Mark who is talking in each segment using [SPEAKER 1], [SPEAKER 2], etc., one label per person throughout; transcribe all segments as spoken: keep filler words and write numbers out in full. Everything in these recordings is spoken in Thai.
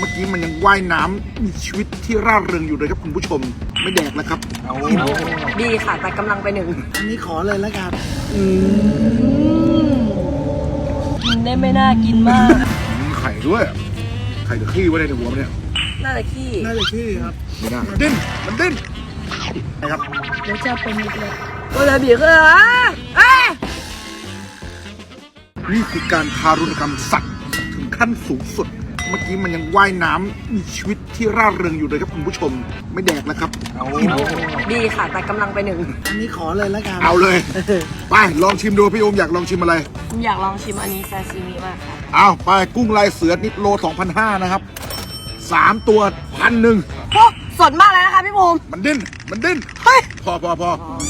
[SPEAKER 1] มื่อกี้มันยังว่ายน้ำมีชีวิตที่ร่าเริงอยู่เลยครับคุณผู้ชมไม่แดกแล้วครับอิ่ม
[SPEAKER 2] ดีค่ะแต่กำลังไปหนึ่ง
[SPEAKER 1] อันนี้ขอเลยแล้วกัน
[SPEAKER 2] กินได้ไม่น่ากินมาก
[SPEAKER 1] มีไข่ด้วยไข่กับขี้ไว้ในหัวมันเนี่ย
[SPEAKER 2] น่าจะขี้
[SPEAKER 1] น่าจะขี้ครับไม่น่ามันดิ้นมันดิ้นนะครับ
[SPEAKER 2] เดี๋ยวจะเป็นนิดเลยก็เลยบีบเลยอ่ะเอ้ย
[SPEAKER 1] นี่คือการทารุณกรรมสัตว์ถึงขั้นสูงสุดเมื่อกี้มันยังว่ายน้ำมีชีวิตที่ร่าเริงอยู่เลยครับคุณผู้ชมไม่แดกแล้วครับอิ่ม
[SPEAKER 2] ดีค่ะแต่กำลังไปหนึ่ง
[SPEAKER 1] อันนี้ขอเลยแล้วกันเอาเลยไปลองชิมดูพี่โอมอยากลองชิมอะไร
[SPEAKER 2] ผมอยากลองชิมอันนี้ซาซิมิมากค่ะ
[SPEAKER 1] เอาไปกุ้งลายเสือนิดโล สองพันห้าร้อย นะครับสามตัวพันหนึ่ง
[SPEAKER 2] โอ้สดมากเลยนะคะพี่ภูมิ
[SPEAKER 1] มันดิ้นมันดิ้น
[SPEAKER 2] เฮ้ย
[SPEAKER 1] พอพอพอ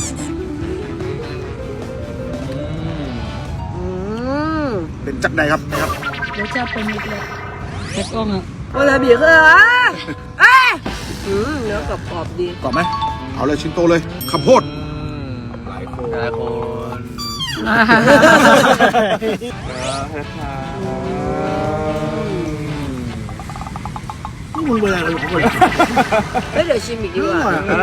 [SPEAKER 2] อืม
[SPEAKER 1] เป็นจักใดครับนะครับ
[SPEAKER 2] เดี๋ยวจะเป็นนิดเลยเช็คกล้องอ่ะก็เลยบีบเลยอ่ะเอ้ยอืมเนื้อกรอบๆดี
[SPEAKER 1] ก่อนไหมเอาเลยชิ้นโตเลยข้าวโพด
[SPEAKER 3] หลายคนหลายคน
[SPEAKER 1] มึงเวลาอะไรของมึง
[SPEAKER 2] เฮ้ยเดี๋ยวชิมอีกดีกว่า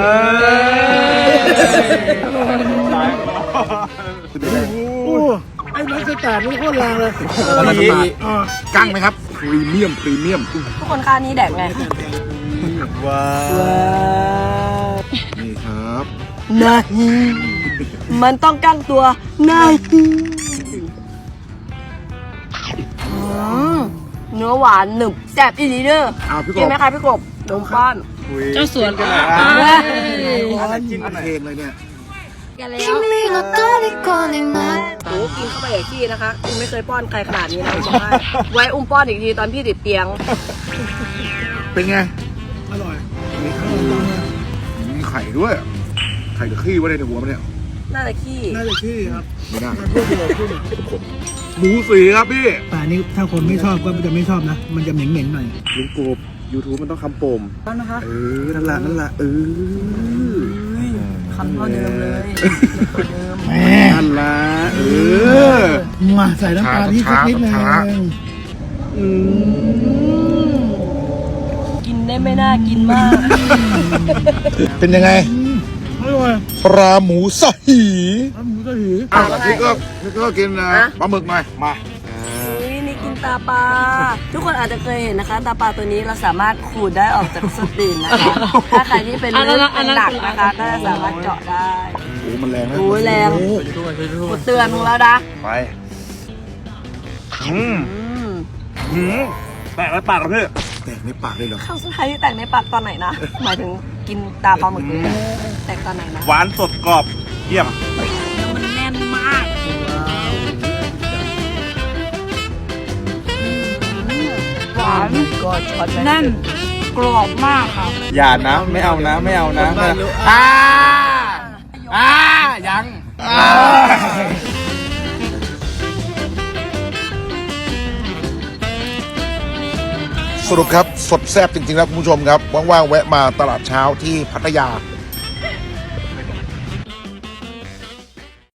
[SPEAKER 1] ไอ้นักสตาร์นี่โคตรแรงเลย
[SPEAKER 3] ดี
[SPEAKER 1] กั้งไหมครับพรีเมียมพรีเมียม
[SPEAKER 2] ทุกคนค่านี้แดกไง
[SPEAKER 3] ว้า
[SPEAKER 1] นี่ครับ
[SPEAKER 2] นายมันต้องกั้งตัวนายเนื้อหวานหนึบแซ่บอีหลีเด้อ
[SPEAKER 1] เอาพี่ก
[SPEAKER 2] กิน
[SPEAKER 1] บ
[SPEAKER 2] ไหมคะพี่กบนมป้อน
[SPEAKER 3] เจ้าสวนกัน
[SPEAKER 1] ร้อนกินเพลงเลยเนี่ย
[SPEAKER 2] กันแล้ว
[SPEAKER 4] 君の虜になる
[SPEAKER 2] โอ้กินเข้าไปอย่างที่นะคะอุ้มไม่เคยป้อนใครขนาดนี้นะอุ้มบอกให้ไว้อุ้มป้อนอีกทีตอนพี่ติดเตียง
[SPEAKER 1] เป็นไงอร่อยมีไข่ด้วยไข่กับขี้ไว้ในหัวมันเนี่ย
[SPEAKER 2] น่าจะขี้
[SPEAKER 5] น่าจะขี้ครับ
[SPEAKER 1] ไม่น่าหมูสีครับพี่
[SPEAKER 5] แต่อันนี้ถ้าคนไม่ชอบก็จะไม่ชอบนะ มันจะเหม็นๆหน่อย
[SPEAKER 1] ลุงกบ YouTube มันต้องคำโปม
[SPEAKER 2] แล้วนะคะ
[SPEAKER 1] เออนั่นแหละนั่นแหละเออ
[SPEAKER 2] คำเท่าเดิมเลยเดิม
[SPEAKER 5] แหม
[SPEAKER 1] นั่นแหละเออ
[SPEAKER 5] มาใส่น้ำปลาที่สักนิดนึง
[SPEAKER 1] ช้า
[SPEAKER 2] กินได้ไม่น่ากินมาก
[SPEAKER 1] เป็นยังไง
[SPEAKER 5] อร่อย
[SPEAKER 1] ปลาหมูสหี
[SPEAKER 5] แล้วหมูจะหือ
[SPEAKER 1] อ้าวพี่ก็พี่ก็กินนะปลาหมึกหน่อยมา
[SPEAKER 2] อุ้ยนี่กินตาปลาทุกคนอาจจะเคยเห็นนะคะ ตาปลาตัวนี้เราสามารถขูดได้ออกจากสตีนนะคะ ถ้าใครที่เป็นเลือดเป็นหนักนะคะ ก็จะสามารถเจาะได้
[SPEAKER 1] โอ้มันแรงนะ
[SPEAKER 2] โอ้ยแรง
[SPEAKER 1] โอ้
[SPEAKER 2] กดเตือนมึงแล้วนะ
[SPEAKER 3] ไปอืม
[SPEAKER 2] อืม
[SPEAKER 3] หืมแตกแล้วปากแล้วพี่
[SPEAKER 1] แตกในปากเลยเหรอ
[SPEAKER 2] ครั้งสุดท้ายที่แต่งในปากตอนไหนนะ หมายถึงกินตาปลาหมึกเลยนะแต่งตอนไหนนะ
[SPEAKER 3] หวานสดกรอบเยี่ยม
[SPEAKER 2] มันแน่นมากหวานก็ช็อตแน่นกรอบมากค่ะ
[SPEAKER 3] อย่านะไม่เอานะไม่เอานะไม่เอาอ่าอ่ายังอ่า
[SPEAKER 1] สรุปครับสดแซ่บจริงๆแล้วคุณผู้ชมครับว่างๆแวะมาตลาดเช้าที่พัทยา